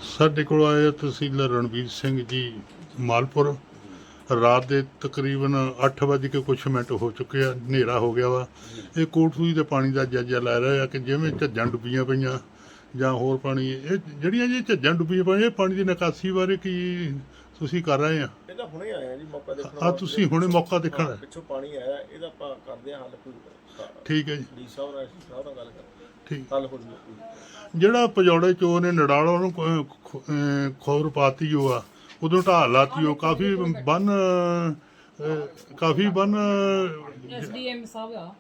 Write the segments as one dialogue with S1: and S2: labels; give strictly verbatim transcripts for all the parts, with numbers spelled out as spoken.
S1: ਸਾਡੇ ਕੋਲ ਆਏ ਤਹਿਸੀਲਦਾਰ ਰਣवीर ਸਿੰਘ ਜੀ ਮਾਲपुर। ਰਾਤ ਦੇ ਤਕਰੀਬਨ ਅੱਠ ਵੱਜ ਕੇ ਕੁਛ ਮਿੰਟ ਹੋ ਚੁੱਕੇ ਆ, ਹਨੇਰਾ ਹੋ ਗਿਆ ਵਾ। ਇਹ ਕੋਟਸੂਈ ਦੇ ਪਾਣੀ ਦਾ ਜਾਇਜ਼ਾ ਲੈ ਰਹੇ ਆ ਕਿ ਜਿਵੇਂ ਝੱਜਾਂ ਡੁੱਬੀਆਂ ਪਈਆਂ ਜਾਂ ਹੋਰ ਪਾਣੀ, ਇਹ ਜਿਹੜੀਆਂ ਜੀ ਝੱਜਾਂ ਡੁੱਬੀਆਂ ਪਈਆਂ, ਇਹ ਪਾਣੀ ਦੀ ਨਿਕਾਸੀ ਬਾਰੇ ਕੀ ਤੁਸੀਂ ਕਰ ਰਹੇ ਆ?
S2: ਇਹਦਾ ਹੁਣੇ ਆਇਆ ਜੀ ਮੌਕਾ ਦੇਖਣ।
S1: ਆ ਤੁਸੀਂ ਹੁਣੇ ਮੌਕਾ ਦੇਖਣਾ?
S2: ਪਿੱਛੋਂ ਪਾਣੀ ਆਇਆ, ਇਹਦਾ ਆਪਾਂ ਕਰਦੇ ਆ ਹੱਲ। ਕੋਈ
S1: ਠੀਕ ਹੈ ਜੀ,
S2: ਡੀ ਸਾਹਿਬ ਨਾਲ ਸਾਹਿਬ ਨਾਲ ਗੱਲ ਕਰ,
S1: ਠੀਕ।
S2: ਹੱਲ ਹੋ ਜੂ।
S1: ਜਿਹੜਾ ਪਜੌੜੇ ਚੋ ਨੇ ਨੜਾਲੋਂ ਨੂੰ ਖੋਰ ਪਾਤੀ ਉਹ ਆ, ਉਦੋਂ ਢਾਹ ਲਾਤੀ ਉਹ ਕਾਫੀ ਬੰਨ, ਕਾਫੀ ਬੰਨ
S3: ਐਸਡੀਐਮ ਸਾਹਿਬ ਆ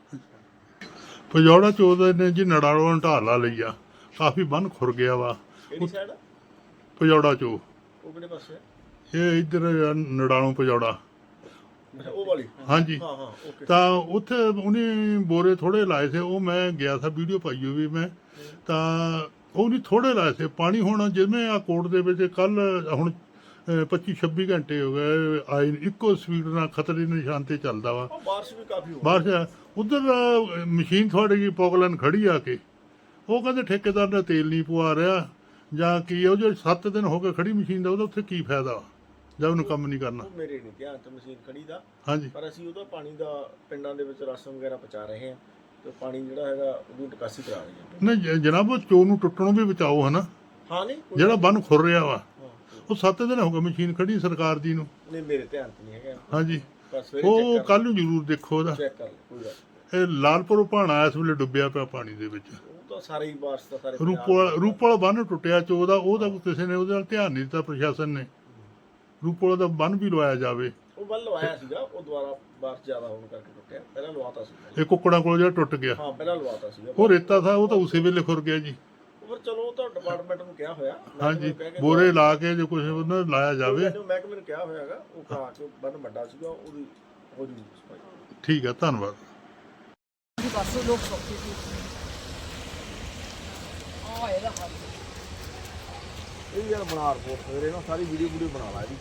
S1: ਪਜੌੜਾ ਚੋ ਨੇ ਜੀ ਨੜਾਲੋਂ ਢਾਹ ਲਾ ਲਈ ਆ, ਕਾਫੀ ਬੰਨ ਖੁਰ ਗਿਆ ਵਾ।
S2: ਕਿਹੜੀ ਸਾਈਡ?
S1: ਪਜੌੜਾ ਚੋ
S2: ਉਹ ਕਿਹੜੇ ਪਾਸੇ?
S1: ਇਹ ਇੱਧਰ ਨੜਾਲੋਂ ਪਜੌੜਾ।
S2: ਉਹ ਵਾਲੀ?
S1: ਹਾਂਜੀ।
S2: ਹਾਂ ਹਾਂ ਓਕੇ।
S1: ਤਾਂ ਉੱਥੇ ਉਹਨੇ ਬੋਰੇ ਥੋੜੇ ਲਾਏ ਸੀ, ਉਹ ਮੈਂ ਗਿਆ ਸੀ, ਵੀਡੀਓ ਪਾਈ ਹੋਈ ਮੈਂ। ਤਾਂ ਉਹ ਨਹੀਂ ਥੋੜੇ ਲਾਏ ਸੀ ਪਾਣੀ। ਹੁਣ ਜਿਵੇਂ ਆ ਕੋਟ ਦੇ ਵਿੱਚ ਕੱਲ ਹੁਣ ਪੱਚੀ ਛੱਬੀ ਘੰਟੇ ਹੋ ਗਏ ਆਏ, ਇੱਕੋ ਸਪੀਡ ਨਾਲ ਖਤਰੇ ਦੇ ਨਿਸ਼ਾਨ ਤੇ ਚੱਲਦਾ ਵਾ।
S2: ਬਾਰਿਸ਼ ਵੀ ਕਾਫੀ ਹੋ
S1: ਬਾਰਿਸ਼ ਉਧਰ ਮਸ਼ੀਨ ਤੁਹਾਡੇ ਕੀ ਪੋਗਲਨ ਖੜੀ ਆ ਕੇ, ਉਹ ਕਹਿੰਦੇ ਠੇਕੇਦਾਰ ਨੇ ਤੇਲ ਨਹੀਂ ਪਵਾ ਰਿਹਾ ਜਾਂ ਕੀ, ਉਹ ਜੋ ਸੱਤ ਦਿਨ ਹੋ ਗਏ ਖੜੀ ਮਸ਼ੀਨ ਦਾ, ਉਹਦਾ ਉੱਥੇ ਕੀ ਫਾਇਦਾ ਜਦ ਉਹਨੂੰ ਕੰਮ ਨਹੀਂ ਕਰਨਾ।
S2: ਮੇਰੇ ਨਹੀਂ ਧਿਆਨ ਚ ਮਸ਼ੀਨ ਖੜੀ ਦਾ।
S1: ਹਾਂਜੀ।
S2: ਪਰ ਅਸੀਂ ਉਹਦਾ ਪਾਣੀ ਦਾ ਪਿੰਡਾਂ ਦੇ ਵਿੱਚ ਰਾਸ਼ਨ ਵਗੈਰਾ ਪਹੁੰਚਾ ਰਹੇ ਹਾਂ, ਤੇ ਪਾਣੀ ਜਿਹੜਾ ਹੈਗਾ ਉਹਦੀ ਨਿਕਾਸੀ ਕਰਾ ਰਹੇ ਹਾਂ।
S1: ਨਹੀਂ ਜਨਾਬ, ਉਹ ਚੋ ਨੂੰ ਟੁੱਟਣੋਂ ਵੀ ਬਚਾਓ, ਹਨਾ।
S2: ਹਾਂ ਨਹੀਂ
S1: ਜਿਹੜਾ ਬੰਨ ਖੁਰ ਰਿਹਾ ਵਾ, ਉਹ ਸੱਤ ਦਿਨ ਹੋ ਗਏ ਮਸ਼ੀਨ ਖੜੀ ਸਰਕਾਰ ਦੀ ਨੂੰ।
S2: ਨਹੀਂ ਮੇਰੇ ਧਿਆਨ ਚ ਨਹੀਂ ਹੈਗਾ।
S1: ਹਾਂਜੀ,
S2: ਪਰ ਸਵੇਰੇ
S1: ਉਹ ਕੱਲ ਨੂੰ ਜ਼ਰੂਰ ਦੇਖੋ ਉਹਦਾ।
S2: ਚੈੱਕ ਕਰ ਲਓ, ਕੋਈ ਗੱਲ।
S1: ਇਹ ਲਾਲਪੁਰ ਭਾਣਾ ਇਸ ਵੇਲੇ ਡੁੱਬਿਆ ਪਿਆ ਪਾਣੀ ਦੇ ਵਿੱਚ।
S2: ਉਹ ਤਾਂ ਸਾਰੇ ਹੀ ਬਾਰਿਸ਼ ਦਾ ਸਾਰੇ
S1: ਰੂਪੋਲ ਰੂਪੋਲ ਬੰਨ ਟੁੱਟਿਆ ਚੋ ਦਾ, ਉਹਦਾ ਕਿਸੇ ਨੇ ਉਹਦੇ ਨਾਲ ਧਿਆਨ ਨਹੀਂ ਦਿੱਤਾ ਪ੍ਰਸ਼ਾਸਨ ਨੇ। ਰੂਪੋਲ ਦਾ ਬੰਨ ਵੀ ਲਵਾਇਆ ਜਾਵੇ।
S2: ਉਹ ਬੰਨ ਲਵਾਇਆ ਸੀਗਾ, ਉਹ ਦੁਬਾਰਾ ਬਾਰਿਸ਼ ਜ਼ਿਆਦਾ ਹੋਣ ਕਰਕੇ ਟੁੱਟਿਆ। ਪਹਿਲਾਂ ਲਵਾਤਾ ਸੀ।
S1: ਇਹ ਕੁੱਕੜਾਂ ਕੋਲ ਜਿਹੜਾ ਟੁੱਟ ਗਿਆ,
S2: ਹਾਂ ਪਹਿਲਾਂ ਲਵਾਤਾ ਸੀਗਾ।
S1: ਉਹ ਰੇਤਾ ਥਾ, ਉਹ ਤਾਂ ਉਸੇ ਵੇਲੇ ਖੁਰ ਗਿਆ ਜੀ।
S2: ਪਰ ਚਲੋ ਉਹ ਤਾਂ ਡਿਪਾਰਟਮੈਂਟ ਨੂੰ ਕਿਹਾ ਹੋਇਆ।
S1: ਹਾਂਜੀ, ਬੋਰੇ ਲਾ ਕੇ ਜੋ ਕੁਝ ਉਹਨਾਂ ਲਾਇਆ ਜਾਵੇ।
S2: ਮਹਿਕਮੇ ਨੂੰ ਕਿਹਾ ਹੋਇਆਗਾ, ਉਹ ਕਰਾ ਕੇ ਬੰਨ ਵੱਡਾ ਸੀਗਾ, ਉਹਦੀ ਹੋ ਜੂ ਸਫਾਈ।
S1: ਠੀਕ ਹੈ, ਧੰਨਵਾਦ।
S3: ਬਸ ਲੋਕ ਸੌਖੇ ਸੀ ਆ ਇਹਦਾ ਹੱਲ।
S2: ਇਹ ਯਾਰ ਬਣਾ ਰਿਪੋਰਟ ਸਵੇਰੇ ਨਾ, ਸਾਰੀ ਵੀਡੀਓ ਵੀਡੀਓ ਬਣਾ ਲਾ ਇਹਦੀ।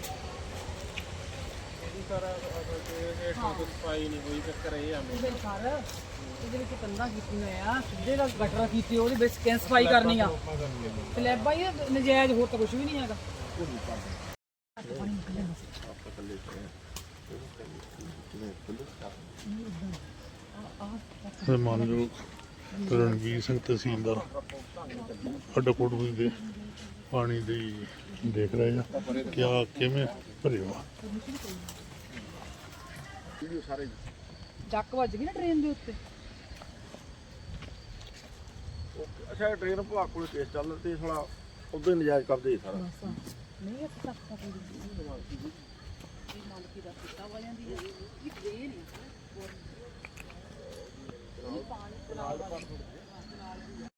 S2: ਇਹਦੀ ਸਾਰਾ ਇਹ ਸਫਾਈ ਨਹੀਂ ਹੋਈ, ਚੱਕਰ ਇਹ ਆ
S3: ਇਹਦੇ ਘਰ ਇਹਦੇ ਵਿੱਚ ਕੰਧਾਂ ਕੀਤੀਆਂ ਆ, ਸਿੱਧੇ ਦਾ ਗਟਰ ਕੀਤੀ, ਉਹਦੇ ਵਿੱਚ ਕਿੰਨ ਸਫਾਈ ਕਰਨੀ ਆ। ਸਲੈਬਾਂ ਹੀ ਨਜਾਇਜ਼, ਹੋਰ ਤਾਂ ਕੁਝ ਵੀ ਨਹੀਂ ਹੈਗਾ।
S1: ਮਾਨਯੋਗ ਰਣवीर ਸਿੰਘ ਤਹਿਸੀਲਦਾਰ ਸਾਡਾ ਕੋਟਪੁਰ ਦੇ ਪਾਣੀ ਦੀ ਦੇਖ ਰਹੇ ਆ ਕਿਆ ਕਿਵੇਂ ਭਰਿਆ।
S3: ਡੱਕ ਵੱਜ ਗਈ ਨਾ ਟ੍ਰੇਨ ਦੇ ਉੱਤੇ।
S2: ਅੱਛਾ, ਟ੍ਰੇਨ ਭਾਗ ਕੋਲ ਕੇਸ ਚੱਲ ਰਿਹਾ ਤੇ ਥੋੜਾ ਉਦੋਂ ਹੀ ਨਜਾਇਜ਼ ਕਬਜ਼ੇ ਹੀ ਸਾਰਾ।
S3: ਨਹੀਂ ਇਹ ਤੱਕ ਤੱਕ ਇਹ ਮਾਲਕੀ ਦਾ ਕਿੱਤਾ ਹੋ ਜਾਂਦੀ ਹੈ ਇਹ ਟ੍ਰੇਨ ਹੈ। ਪਾਣੀ